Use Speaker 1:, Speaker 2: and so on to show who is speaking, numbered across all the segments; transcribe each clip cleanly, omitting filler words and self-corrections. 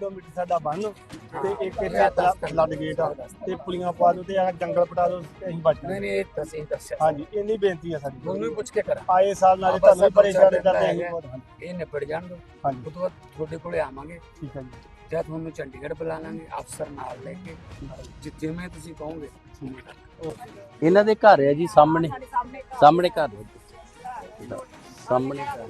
Speaker 1: Kilometre साडा बन ते एक फ्लड गेट आ ते पुलियां पा दो ते जंगल पटा दो ते असीं बच जाएंगे। हाँ जी इन्नी बेनती है साडी।
Speaker 2: दोनों पुछ के करा
Speaker 1: आए साल नाले तुहानूं भी परेशान करते हैं बहुत।
Speaker 2: ਇਹ ਨਿਬੜ ਜਾਣ ਦੋ
Speaker 1: हाँ जी
Speaker 2: ਉਸ ਤੋਂ ਬਾਅਦ ਤੁਹਾਡੇ ਕੋਲੇ ਆਵਾਂਗੇ
Speaker 1: ठीक है जी
Speaker 2: ਜਾਂ ਤੁਹਾਨੂੰ ਚੰਡੀਗੜ੍ਹ ਬੁਲਾ ਲਾਂਗੇ ਅਫਸਰ ਨਾਲ ਲੈ ਕੇ ਜਿਵੇਂ ਤੁਸੀਂ ਕਹੋਗੇ
Speaker 3: ਇਹਨਾਂ ਦੇ ਘਰ ਹੈ ਜੀ ਸਾਹਮਣੇ ਸਾਹਮਣੇ ਘਰ ਹੈ ਸਾਹਮਣੇ ਘਰ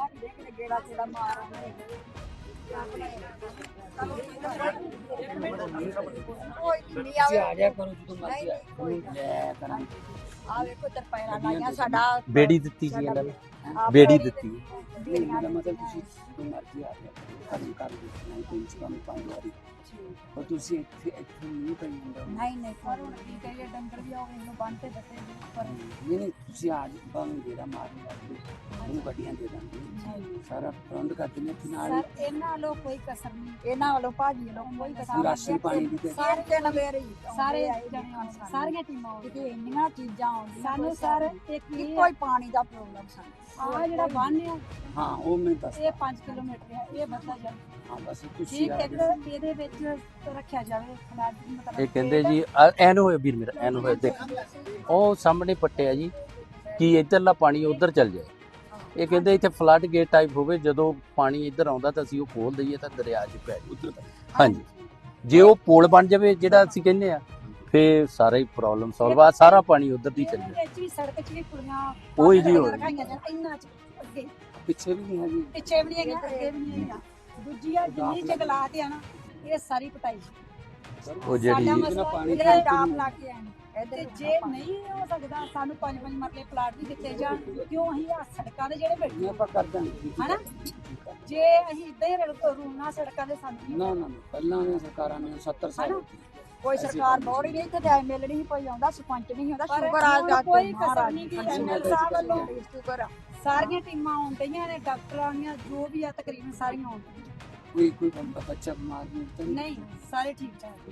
Speaker 2: ਤੁਸੀਂ ਆ ਜਾ ਕਰੋ ਜਦੋਂ ਮਰਜ਼ੀ ਲੈ ਕਰਾਂਗੇ
Speaker 4: ਆ ਵੇਖੋ ਤਰਪਾਇਰਾਂ ਲਾਈਆਂ ਸਾਡਾ
Speaker 3: ਬੇੜੀ ਦਿੱਤੀ ਜੀ ਇਹਨਾਂ ਨੇ ਬੇੜੀ ਦਿੱਤੀ
Speaker 2: ਮੇਰਾ ਮਤਲਬ ਤੁਸੀਂ ਜਦੋਂ ਮਰਜ਼ੀ ਆ ਜਾ ਕੰਮ ਕਰ ਨਹੀਂ ਕੋਈ ਕੰਮ ਪਾਈ ਵਾਰੀ ਪਰ ਤੁਸੀਂ ਇੱਥੇ ਨਹੀਂ ਪਈ ਹੁੰਦਾ
Speaker 4: ਨਹੀਂ ਕੋਈ ਨਹੀਂ ਕਹੀਏ ਡੰਗਰ ਵੀ ਆਵੇ ਇਹਨੂੰ ਬੰਨ ਤੇ ਬੱਤੇ ਪਰ
Speaker 2: ਨਹੀਂ ਤੁਸੀਂ ਆ ਬਾਵੇਂ ਜਿਹੜਾ ਮਾਰਨ ਲੱਗੇ ਉਹਨੂੰ ਗੱਡੀਆਂ ਦੇ ਦਾਂਗੇ ਸਾਰਾ ਪ੍ਰਬੰਧ ਕਰ ਦਿੰਦੇ ਨਾਲ
Speaker 4: ਸਰ ਇਹਨਾਂ ਵੱਲੋਂ ਕੋਈ ਕਸਰ ਨਹੀਂ ਇਹਨਾਂ ਵੱਲੋਂ ਭਾਜੀ ਵੱਲੋਂ ਕੋਈ ਕਸਰ
Speaker 2: ਰਾਸ਼ਨ ਪਾਣੀ ਦੀ ਤੇ
Speaker 4: ਸਾਰੇ ਜਣ ਮੇਰੇ ਸਾਰੇ ਸਾਰੀਆਂ ਟੀਮਾਂ ਆਉਂਦੀਆਂ ਇੰਨੀਆਂ ਚੀਜ਼ਾਂ ਆਉਂਦੀਆਂ ਸਾਨੂੰ ਸਰ ਕੋਈ ਪਾਣੀ ਦਾ ਪ੍ਰੋਬਲਮ ਸਾਨੂੰ ਆ ਜਿਹੜਾ ਬੰਨ ਆ
Speaker 2: ਹਾਂ ਉਹ ਮੈਂ ਦੱਸ
Speaker 4: ਇਹ 5 ਕਿਲੋਮੀਟਰ ਹੈ ਇਹ ਵੱਧਦਾ ਜਾ
Speaker 2: ਹਾਂ ਬਸ ਤੁਸੀਂ
Speaker 4: ਠੀਕ ਹੈ ਇਹਦੇ ਵਿੱਚ ਰੱਖਿਆ ਜਾਵੇ
Speaker 3: ਇਹ ਕਹਿੰਦੇ ਜੀ ਐਨ ਹੋਏ ਵੀਰ ਮੇਰਾ ਐਨ ਹੋਏ ਦੇਖ ਉਹ ਸਾਹਮਣੇ ਪੱਟਿਆ ਜੀ ਕਿ ਇੱਧਰਲਾ ਪਾਣੀ ਉੱਧਰ ਚੱਲ ਜਾਏ ਇਹ ਕਹਿੰਦੇ ਇੱਥੇ ਫਲੱਡ ਗੇਟ ਟਾਈਪ ਹੋਵੇ ਜਦੋਂ ਪਾਣੀ ਇੱਧਰ ਆਉਂਦਾ ਤਾਂ ਅਸੀਂ ਉਹ ਖੋਲ ਦਈਏ ਤਾਂ ਦਰਿਆ 'ਚ ਪੈ ਜਾਊ ਹਾਂਜੀ ਜੇ ਉਹ ਪੁਲ ਬਣ ਜਾਵੇ ਜਿਹੜਾ ਅਸੀਂ ਕਹਿੰਦੇ ਆ ਫੇਰ ਸਾਰਾ ਹੀ ਪ੍ਰੋਬਲਮ ਸੋਲਵ ਆ ਸਾਰਾ ਪਾਣੀ ਉੱਧਰ ਦੀ ਚੱਲ ਜਾਏ
Speaker 4: ਵਿੱਚ ਵੀ ਸੜਕ 'ਚ ਵੀ ਕੁੜੀਆਂ
Speaker 3: ਉਹੀ ਜੀ ਹੋਏ
Speaker 4: ਇੰਨਾ 'ਚ ਅੱਗੇ
Speaker 2: ਪਿੱਛੇ ਵੀ ਨਹੀਂ ਹੈਗੀ
Speaker 4: ਪਿੱਛੇ ਵੀ ਨਹੀਂ ਹੈਗੀਆਂ ਅੱਗੇ ਵੀ ਨਹੀਂ ਹੈਗੀਆਂ ਦੂਜੀਆਂ ਜਿੰਨੀ ਜੰਗਲਾਤ ਆ ਨਾ ਇਹ ਸਾਰੀ ਪਟਾਈ
Speaker 3: ਉਹ ਜਿਹੜੀ
Speaker 2: ਪਾਣੀ
Speaker 4: ਡਾਮ ਲਾ ਕੇ ਆਏ ਤੇ ਜੇ ਨਹੀਂ ਹੋ ਸਕਦਾ ਸਾਨੂੰ 5-5 ਮਰਲੇ ਪਲਾਟ ਵੀ ਦਿੱਤੇ ਜਾਣ ਕਿਉਂ ਅਸੀਂ ਆ ਸੜਕਾਂ ਦੇ ਜਿਹੜੇ ਬੈਠੇ
Speaker 2: ਆਪਾਂ ਕਰ ਦਾਂਗੇ
Speaker 4: ਹਨਾ ਜੇ ਅਸੀਂ ਇਦਾਂ ਹੀ ਰੂਣਾ ਸੜਕਾਂ ਦੇ ਸਾਨੂੰ
Speaker 2: ਨਾ ਨਾ ਪਹਿਲਾਂ ਦੀਆਂ ਸਰਕਾਰਾਂ ਨੇ 70 ਸਾਲ
Speaker 4: ਕੋਈ ਸਰਕਾਰ ਬੋੜ ਹੀ ਨਹੀਂ ਇੱਥੇ ਤੇ ਮਿਲ ਨਹੀਂ ਕੋਈ ਆਉਂਦਾ ਸਰਪੰਚ ਨਹੀਂ ਆਉਂਦਾ ਸ਼ੁਕਰ ਆ ਕੋਈ ਕਸਰ ਨਹੀਂ ਕਿ ਐਮਐਲ ਸਾਹਿਬ ਵੱਲੋਂ ਸ਼ੁਕਰ ਆ ਸਾਰੀਆਂ ਟੀਮਾਂ ਆਉਂਦੀਆਂ ਨੇ ਡਾਕਟਰ ਆਉਣੀਆਂ ਜੋ ਵੀ ਆ ਤਕਰੀਬਨ ਸਾਰੀਆਂ ਆਉਂਦੀਆਂ
Speaker 2: ਕੋਈ ਬੰਦਾ ਬੱਚਾ ਬਿਮਾਰ
Speaker 4: ਨਹੀਂ ਸਾਰੇ ਠੀਕ ਠਾਕ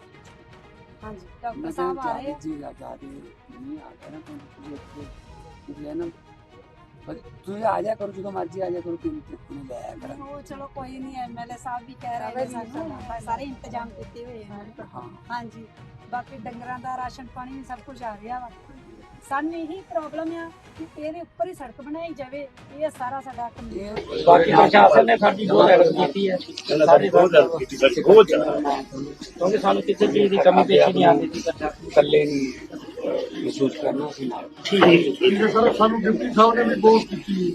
Speaker 4: ਹਾਂਜੀ ਡਾਕਟਰ ਸਾਹਿਬ ਆ ਰਹੇ
Speaker 2: ਜੀ ਆ ਜਾ ਰਹੇ ਨਹੀਂ ਆ ਗਿਆ ਨਾ ਤੁਸੀਂ ਹੈ ਨਾ ਤੁਸੀਂ ਆ ਜਾ ਕਰੋ ਜਦੋਂ ਮਰਜ਼ੀ ਆ ਜਾ ਕਰੋ ਕਿ ਨਹੀਂ ਲੈ ਕਰਾਂਗੇ
Speaker 4: ਉਹ ਚਲੋ ਕੋਈ ਨਹੀਂ ਐਮਐਲਏ ਸਾਹਿਬ ਵੀ ਕਹਿ ਰਹੇ ਨੇ ਸਾਨੂੰ ਸਾਰੇ ਇੰਤਜ਼ਾਮ ਕੀਤੇ ਹੋਏ ਆ
Speaker 2: ਹਾਂ
Speaker 4: ਹਾਂਜੀ ਬਾਕੀ ਡੰਗਰਾਂ ਦਾ ਰਾਸ਼ਨ ਪਾਣੀ ਵੀ ਸਭ ਕੁਝ ਆ ਰਿਹਾ ਵਾ ਸਾਨੂੰ ਇਹੀ ਪ੍ਰੋਬਲਮ ਆ ਕਿ ਇਹਦੇ ਉੱਪਰ ਹੀ ਸੜਕ ਬਣਾਈ ਜਾਵੇ ਇਹ ਸਾਰਾ ਸਾਡਾ ਕੰਮ
Speaker 5: ਬਾਕੀ ਪ੍ਰਸ਼ਾਸਨ ਨੇ ਸਾਡੀ ਬਹੁਤ ਹੈਲਪ ਕੀਤੀ ਹੈ ਸਾਡੀ ਬਹੁਤ ਹੈਲਪ ਕੀਤੀ ਸਾਡੀ ਬਹੁਤ ਜ਼ਿਆਦਾ ਕਿਉਂਕਿ ਸਾਨੂੰ ਕਿਸੇ ਚੀਜ਼ ਦੀ ਕਮੀ ਪੇਸ਼ੀ ਨਹੀਂ ਆਉਂਦੀ ਸੀ
Speaker 2: ਇਕੱਲੇ ਨਹੀਂ ਮਹਿਸੂਸ ਕਰਨਾ ਸੀ ਨਾਲ
Speaker 5: ਠੀਕ ਹੈ ਸਰ ਸਾਨੂੰ ਡਿਪਟੀ ਸਾਹਿਬ ਨੇ ਵੀ ਬਹੁਤ ਕੀਤੀ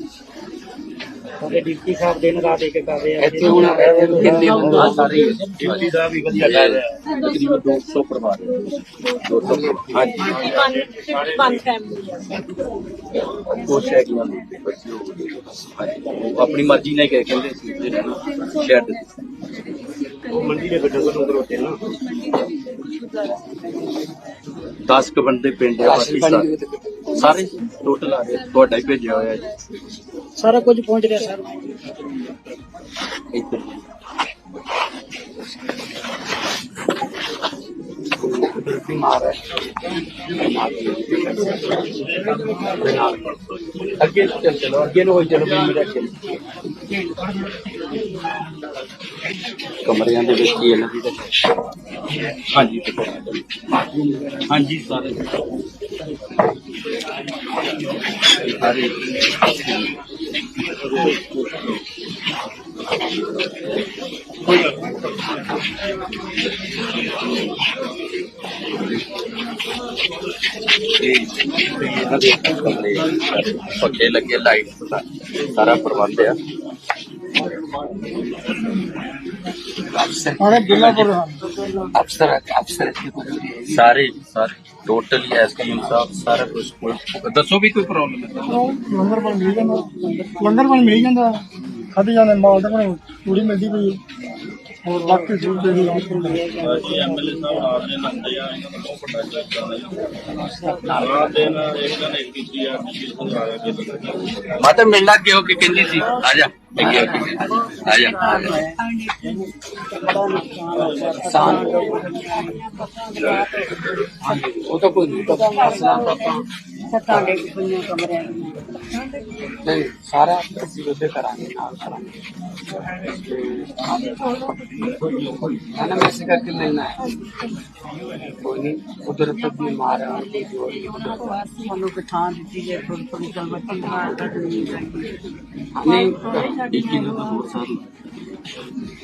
Speaker 5: ਸਾਡੇ ਡਿਪਟੀ ਸਾਹਿਬ ਦਿਨ ਰਾਤ ਇੱਕ ਕਰ ਰਹੇ ਆ
Speaker 2: ਇੱਥੇ ਹੁਣ ਕਿੰਨੇ ਬੰਦੇ ਸਾਰੇ
Speaker 5: ਡਿਪਟੀ ਸਾਹਿਬ ਵੀ ਵਧੀਆ ਕਰ ਰਿਹਾ
Speaker 3: ਤਕਰੀਬਨ 200 ਪਰਿਵਾਰ 200
Speaker 5: ਹਾਂਜੀ
Speaker 4: ਪੰਜ ਫੈਮਿਲੀ ਆ
Speaker 3: ਕੁਛ ਹੈ ਕਿ ਬੱਚੇ ਹੋ ਗਏ ਆਪਣੀ ਮਰਜ਼ੀ ਨਾਲ ਕਹਿੰਦੇ ਸੀ ਸ਼ਹਿਰ ਦੇ
Speaker 5: ਮੰਡੀ ਦੇ ਬੱਚੇ ਨੂੰ ਕਰੋਤੇ ਨਾ
Speaker 3: 10 ਕ ਬੰਦੇ ਪਿੰਡ ਆ ਬਾਕੀ ਸਾਰੇ ਟੋਟਲ ਆ ਗਏ ਤੁਹਾਡਾ ਹੀ ਭੇਜਿਆ ਹੋਇਆ ਜੀ
Speaker 5: ਸਾਰਾ ਕੁਝ ਪਹੁੰਚ ਰਿਹਾ ਸਰ
Speaker 3: ਇੱਧਰ
Speaker 2: ਬਿਮਾਰ ਹੈ
Speaker 3: ਅੱਗੇ ਚਲੋ ਅੱਗੇ ਨੂੰ ਹੋਈ ਚਲੋ ਮੇਰਾ ਕਮਰਿਆਂ ਦੇ ਵਿੱਚ ਹੀ ਇਹਨਾਂ ਦੀ ਹਾਂਜੀ ਹਾਂਜੀ ਸਾਰੇ ਸਾਰੇ ਇਹਨਾਂ ਦੇ ਕਮਰੇ ਪੱਖੇ ਲੱਗੇ ਲਾਈਟ ਸਾਰਾ ਪ੍ਰਬੰਧ ਆ
Speaker 2: ਅਫਸਰ
Speaker 3: ਸਾਰੇ ਟੋਟਲੀ ਐਸਕੇਐਮ ਸਾਹਿਬ ਸਾਰਾ ਕੁਝ ਦੱਸੋ ਵੀ ਕੋਈ ਪ੍ਰੋਬਲਮ ਹੈ
Speaker 1: ਲੰਗਰ ਪਾਣੀ ਮਿਲ ਜਾਂਦਾ ਖਾਧੇ ਜਾਂਦੇ ਮਾਲ ਤਾਂ ਪੂਰੀ ਮਿਲਦੀ ਪਈ ਹੋਰ ਬਾਕੀ ਸੂਟ ਦੇ ਵੀ
Speaker 5: ਐਮਐਲਏ ਸਾਹਿਬ ਨਾਲ ਦੇ ਲੰਦੇ ਆ ਇਹਨਾਂ ਨੂੰ ਪਤਾ ਚੱਲਦਾ ਨਾ ਦੇ ਨਾਲ ਇਹਨਾਂ ਨੇ ਕੀਤੀ ਆ ਕਿ ਸਮਝਾਇਆ ਕਿ
Speaker 3: ਮੈਂ ਤਾਂ ਮਿਲਣਾ ਕਿਉਂ ਕਿ ਕਹਿੰਦੀ ਸੀ ਆ ਜਾ ਆ ਜਾ
Speaker 2: ਉਹ ਤਾਂ ਕੋਈ
Speaker 4: ਸੱਤਾਂ ਦੇ ਕਮਰਿਆਂ
Speaker 2: ਨਹੀਂ ਸਾਰਾ ਅਸੀਂ ਉਹਦੇ ਕਰਾਂਗੇ ਨਾਲ ਕਰਾਂਗੇ ਖਾਣਾ ਮੈਂ ਇਸੇ ਕਰਕੇ ਮਿਲਣਾ ਹੈ ਕੋਈ ਨਹੀਂ ਕੁਦਰਤ ਦੀ ਮਾਰ ਹੈ
Speaker 6: ਸਾਨੂੰ ਪਛਾਣ ਦਿੱਤੀ ਜੇ ਥੋੜੀ ਥੋੜੀ ਗੱਲ ਬੱਚੀ ਮਾਰ
Speaker 2: ਨਹੀਂ